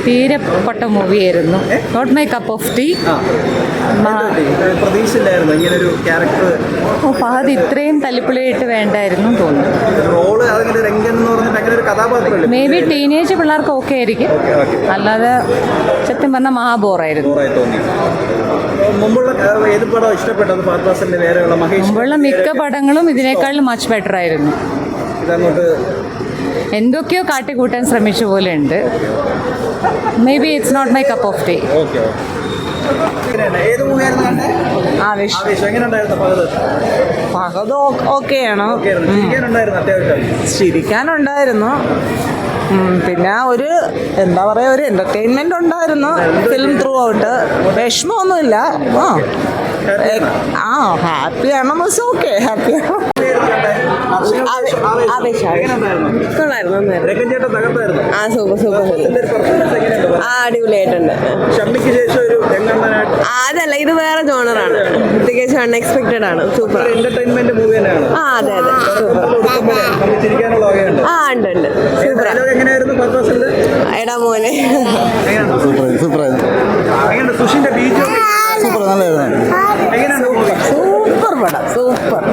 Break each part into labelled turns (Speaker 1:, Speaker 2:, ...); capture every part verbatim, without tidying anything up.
Speaker 1: തീരെ പൊട്ട മൂവിയായിരുന്നു. Not my cup of tea.
Speaker 2: പ്രതീക്ഷയില്ലായിരുന്നു ഇങ്ങനൊരു ക്യാരക്ടർ.
Speaker 1: ഓ ഫഹദ് ഇത്രയും തല്ലിപ്പൊളിയായിട്ട് വേണ്ടായിരുന്നു തോന്നുന്നു. മേ ബി ടീനേജ് പിള്ളേർക്ക് ഓക്കെ ആയിരിക്കും, അല്ലാതെ സത്യം പറഞ്ഞാൽ മഹാബോറായിരുന്നു. മുമ്പുള്ള മിക്ക പടങ്ങളും ഇതിനേക്കാളും മച്ച് ബെറ്റർ ആയിരുന്നു. എന്തൊക്കെയോ കാട്ടിക്കൂട്ടാൻ ശ്രമിച്ച പോലെ ഉണ്ട്. Maybe it's not my cup of tea.
Speaker 3: Fahadh ഓക്കെയാണോ? ചിരിക്കാനുണ്ടായിരുന്നു, പിന്നെ ഒരു എന്താ പറയാ ഒരു എന്റർടൈൻമെന്റ് ഉണ്ടായിരുന്നു ഫിലിം ത്രൂ ഔട്ട്. വിഷമമൊന്നുമില്ല. ആ ആ ഹാപ്പിയാണോ? ഓക്കെ ഹാപ്പിയാണോ? ആ സൂപ്പർ സൂപ്പർ ആ അടിപൊളിയായിട്ടുണ്ട്. അതല്ല, ഇത് വേറെ ജോണറാണ്, തികച്ചും അൺഎക്സ്പെക്ടഡ് ആണ്. സൂപ്പർ ആ അതെ അതെ സൂപ്പർ. ആ ഉണ്ട് ഉണ്ട് സൂപ്പർ. എടാ മോനെ
Speaker 4: സൂപ്പർ
Speaker 3: സൂപ്പർ പടം സൂപ്പർ.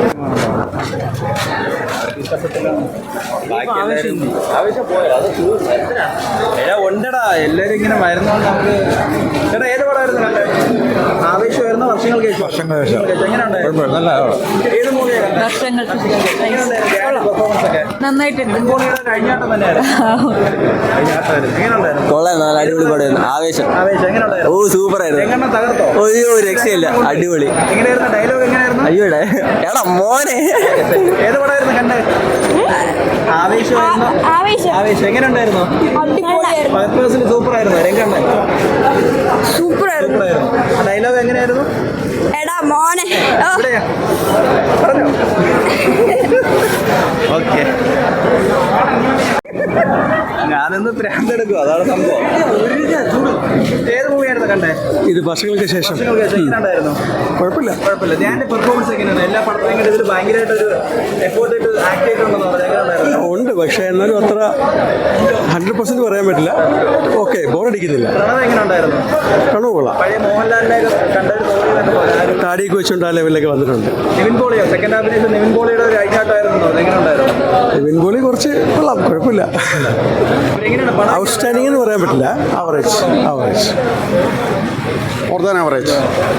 Speaker 2: ഉണ്ടടാ എല്ലാരും ഇങ്ങനെ വരുന്നോണ്ട് നമുക്ക്. ചേട്ടാ ഏത് പടമായിരുന്നു കണ്ടത്? ആവേശമായിരുന്നു. വർഷങ്ങൾക്ക് ശേഷം. വർഷങ്ങൾക്ക് ശേഷം ഏത് മൂവിയാണ്
Speaker 1: നന്നായിട്ടുണ്ട്.
Speaker 2: കഴിഞ്ഞാട്ടം തന്നെയായിരുന്നു.
Speaker 4: അടിപൊളി പടമായിരുന്നു. ആവേശം.
Speaker 2: ആവേശം എങ്ങനെയുണ്ടായിരുന്നു?
Speaker 4: ഓ സൂപ്പർ ആയിരുന്നു.
Speaker 2: എങ്ങനെ തകർത്തോ?
Speaker 4: അയ്യോ രക്ഷയില്ല, അടിപൊളി.
Speaker 2: എങ്ങനെയായിരുന്നു ഡയലോഗ്? എങ്ങനെയായിരുന്നു?
Speaker 4: അയ്യോടെ എടാ മോനെ.
Speaker 2: ഏത് പടമായിരുന്നു കണ്ടത്? ആവേശമായിരുന്നു. ആവേശം എങ്ങനെയുണ്ടായിരുന്നു? സൂപ്പർ ആയിരുന്നു. രംഗണ്ണ
Speaker 3: സൂപ്പർ
Speaker 2: സൂപ്പർ ആയിരുന്നു. ആ ഡയലോഗ് എങ്ങനെയായിരുന്നു?
Speaker 3: എടാ മോനെ
Speaker 2: പറഞ്ഞോ. ഓക്കെ, ഞാനൊന്ന് പ്രാന്തെടുക്കും, അതാണ് സംഭവം. ഏത് മൂവിയായിരുന്നു കണ്ടേ?
Speaker 4: ഇത് വർഷങ്ങൾക്ക് ശേഷം.
Speaker 2: എങ്ങനെയുണ്ടായിരുന്നു?
Speaker 4: കുഴപ്പമില്ല
Speaker 2: കുഴപ്പമില്ല. ഞാൻ പെർഫോമൻസ് എങ്ങനെയാണ്? എല്ലാ പടത്തിലും കണ്ട് ഇതിൽ ഭയങ്കരമായിട്ടൊരു എഫോർട്ട് ഇട്ട് ആക്ട് ചെയ്തിട്ടുണ്ടെന്ന് പറഞ്ഞു. എങ്ങനെയുണ്ടായിരുന്നു?
Speaker 4: ഉണ്ട്, പക്ഷേ എന്നാലും അത്ര ഹൺഡ്രഡ് പെർസെന്റ് പറയാൻ പറ്റില്ല. ഓക്കെ, ബോറടിക്കുന്നില്ല.
Speaker 2: പ്രണവ് എങ്ങനെയുണ്ടായിരുന്നു?
Speaker 4: പ്രണവ് കൊള്ളാം.
Speaker 2: പഴയ മോഹൻലാലിനെ കണ്ടൊരു തോന്നി.
Speaker 4: താടിയൊക്കെ വെച്ചുകൊണ്ട് ആ ലെവലിലൊക്കെ വന്നിട്ടുണ്ട്.
Speaker 2: നിവിൻ പോളിയോ സെക്കൻഡ് ഹാഫിന് നിവിൻ പോളിയുടെ ഒരു അഴിഞ്ഞാട്ടമായിരുന്നു. എങ്ങനെയുണ്ടായിരുന്നു?
Speaker 4: നിവിൻ പോളി കുറച്ച് കൊള്ളാം, കുഴപ്പമില്ല. ഔട്ട്സ്റ്റാൻഡിംഗ് എന്ന് പറയാൻ പറ്റില്ല, average average more than average.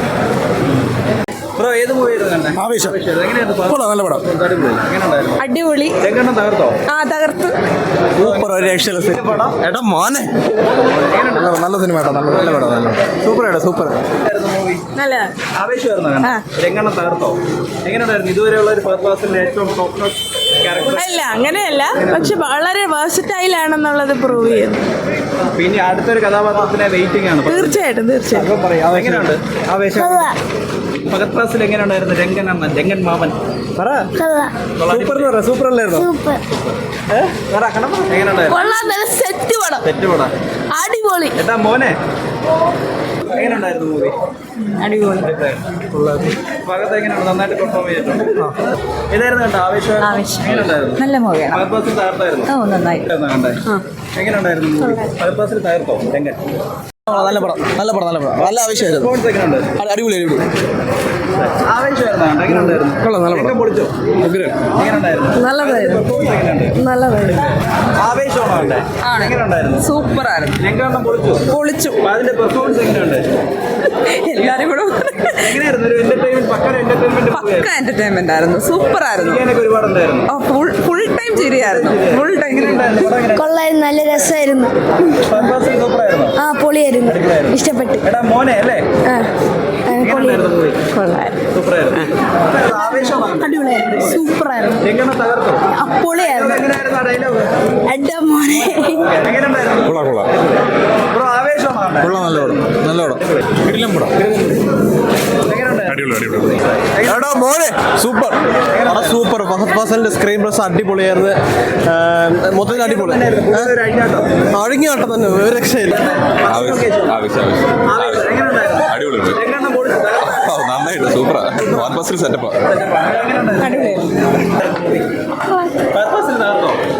Speaker 2: ഏത് മൂവിയായിരുന്നു കണ്ടേ?
Speaker 4: ആവേശം.
Speaker 2: എങ്ങനെയായിരുന്നു?
Speaker 4: നല്ല പടം.
Speaker 3: അടിപൊളി.
Speaker 2: രംഗണ്ണം തകർത്തോ?
Speaker 3: ആ തകർത്ത്.
Speaker 4: സൂപ്പർ. ഒരു രക്ഷയില്ല. എടാ മോനെ നല്ല സിനിമ കേട്ടോ. നല്ല നല്ല പടം. നല്ല സൂപ്പർ ആയിട്ടോ സൂപ്പർ.
Speaker 3: നല്ല
Speaker 2: ആവേശമായിരുന്നു. രംഗണ്ണം തകർത്തോ? എങ്ങനെയുണ്ടായിരുന്നു? ഇതുവരെയുള്ള ഒരു ഫസ്റ്റ് ക്ലാസ്സിലെ ഏറ്റവും ടോപ്പ് നോട്ട് ക്യാരക്ടർ?
Speaker 3: അല്ല അങ്ങനെയല്ല, പക്ഷെ വളരെ വേഴ്സറ്റൈൽ ആണെന്നുള്ളത് പ്രൂവ് ചെയ്യുന്നു.
Speaker 2: പിന്നെ അടുത്തൊരു കഥാപാത്രത്തിനെ വെയിറ്റിംഗ് ആണ്.
Speaker 3: തീർച്ചയായിട്ടും തീർച്ചയായിട്ടും.
Speaker 2: എങ്ങനെയുണ്ട് ആവേശം? ഫഹദ് ഫാസിൽ എങ്ങനെയുണ്ടായിരുന്നു? രംഗൻ അണ്ണൻ, രംഗൻ മാമൻ പറ. സൂപ്പർ എന്ന് പറ. സൂപ്പർ അല്ലായിരുന്നു? എങ്ങനെയുണ്ടായിരുന്നു?
Speaker 3: സെറ്റ് പടം.
Speaker 2: തെറ്റ് പടം
Speaker 3: അടിപൊളി.
Speaker 2: ഏട്ടാ മോനെ എങ്ങനെയുണ്ടായിരുന്നു മൂവി?
Speaker 1: അടിപൊളി.
Speaker 2: ഫഹദ് എങ്ങനെയാണ്? നന്നായിട്ട് പെർഫോം ചെയ്തിട്ടുണ്ട്. ഏതായിരുന്നു കണ്ടോ? ആവേശം.
Speaker 1: ആവേശം
Speaker 2: എങ്ങനെയുണ്ടായിരുന്നു?
Speaker 1: നല്ല മൂവിയാണ്.
Speaker 2: ഫഹദ് ഫാസിൽ തകർത്തായിരുന്നു.
Speaker 1: ഓ നന്നായി.
Speaker 2: കണ്ടേ എങ്ങനെയുണ്ടായിരുന്നു മൂവി? ഫഹദ് ഫാസിൽ തകർത്തോ രംഗൻ?
Speaker 4: നല്ല പടം നല്ല പടം നല്ല പടം നല്ല ആവശ്യമായിരുന്നു.
Speaker 2: പെർഫോമൻസ് എങ്ങനെയുണ്ട്?
Speaker 4: അടിപൊളി അടിപൊളി
Speaker 2: ആവേശമായിരുന്നു. എങ്ങനെയുണ്ടായിരുന്നു?
Speaker 4: കൊള്ളാം നല്ല പടം.
Speaker 2: പൊളിച്ചോ? എങ്ങനെയുണ്ടായിരുന്നു?
Speaker 3: നല്ലതായിരുന്നു.
Speaker 2: പെർഫോമൻസ് എങ്ങനെയുണ്ട്?
Speaker 3: നല്ലതായിരുന്നു.
Speaker 2: ആവേശമാണോ കണ്ടേ? എങ്ങനെയുണ്ടായിരുന്നു?
Speaker 3: സൂപ്പർ ആയിരുന്നു.
Speaker 2: രംഗണ്ണം പൊളിച്ചു
Speaker 3: പൊളിച്ചു.
Speaker 2: അതിന്റെ പെർഫോമൻസ് എങ്ങനെയുണ്ട്?
Speaker 3: എല്ലാരും കൂടെ
Speaker 2: എങ്ങനെയായിരുന്നു? ഒരു entertainment pakka entertainment
Speaker 3: pakka entertainment ആയിരുന്നു. സൂപ്പർ ആയിരുന്നു.
Speaker 2: ഒരുപാടുണ്ടായിരുന്നു.
Speaker 3: ഫുൾ ഫുൾ ടൈം ചിരിയായിരുന്നു. Full time.
Speaker 5: കൊള്ളായിരുന്നു, നല്ല രസമായിരുന്നു.
Speaker 2: സൂപ്പറായിരുന്നു.
Speaker 5: ആ പൊളിയായിരുന്നു, ഇഷ്ടപ്പെട്ടു.
Speaker 2: എടാ മോനെ അല്ലേ?
Speaker 5: ആ പൊളിയായിരുന്നു.
Speaker 3: കൊള്ളായിരുന്നു.
Speaker 2: സൂപ്പറായിരുന്നു. ആവേശമാണ്.
Speaker 5: അടിപൊളിയായിരുന്നു, സൂപ്പറായിരുന്നു.
Speaker 2: രംഗണ്ണം തകർത്തു.
Speaker 5: ആ പൊളിയായിരുന്നു.
Speaker 2: എങ്ങനെയായിരുന്നു ആ ഡയലോഗ്?
Speaker 5: എന്റെ മോനെ
Speaker 2: എങ്ങനെയുണ്ടായിരുന്നു?
Speaker 4: കൊള്ളാം കൊള്ളാം
Speaker 2: ബ്രോ ആവേശമാണ്.
Speaker 4: കൊള്ളാം നല്ല പടം നല്ല പടം. കിടിലം പടം. എടാ മോനെ സൂപ്പർ സൂപ്പർ. ഫഹദ് ഫാസിലിന്റെ സ്ക്രീൻ പ്രസ് അടിപൊളിയായിരുന്നു. മൊത്തത്തിൽ അടിപൊളി. അഴുങ്ങിയാട്ടം തന്നെ, ഒരു രക്ഷയില്ല.
Speaker 6: നന്നായിട്ട് സൂപ്പറാ. സെറ്റപ്പാ.